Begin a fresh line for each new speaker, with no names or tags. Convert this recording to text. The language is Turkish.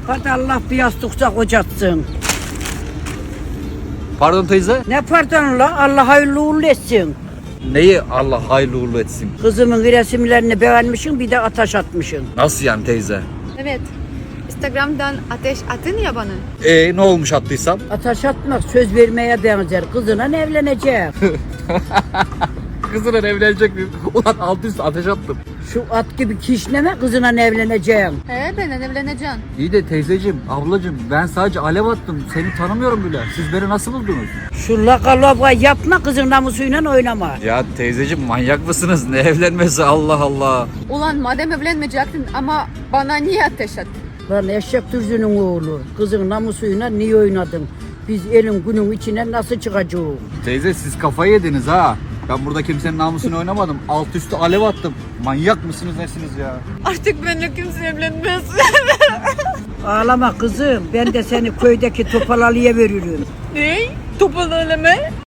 Hadi Allah bir yastıkça kocatsın.
Pardon teyze.
Ne pardon la? Allah hayırlı uğurlu etsin.
Neyi Allah hayırlı uğurlu etsin?
Kızımın resimlerini beğenmişsin, bir de ateş atmışsın.
Nasıl yani teyze?
Evet. Instagram'dan ateş atın ya bana.
Ne olmuş attıysam?
Ateş atmak söz vermeye benzer. Kızına evleneceğim.
Kızına evlenecek miyim? Ulan alt üst ateş attım.
Şu at gibi kişneme, kızına evleneceğim.
He ben evleneceğim.
İyi de teyzeciğim, ablacığım ben sadece alev attım. Seni tanımıyorum bile. Siz beni nasıl buldunuz?
Şu laka yapma, kızın namusuyla oynama.
Ya teyzeciğim manyak mısınız? Ne evlenmesi Allah Allah.
Ulan madem evlenmeyecektin ama bana niye ateş attın?
Lan eşek dürzünün oğlu, kızın namusuyla niye oynadın? Biz elin günün içine nasıl çıkacağız?
Teyze siz kafayı yediniz ha. Ben burada kimsenin namusunu oynamadım. Alt üstü alev attım. Manyak mısınız nesiniz ya?
Artık benimle kimse evlenmez.
Ağlama kızım, ben de seni köydeki topalalıya veririm.
Ne? Topal öleme?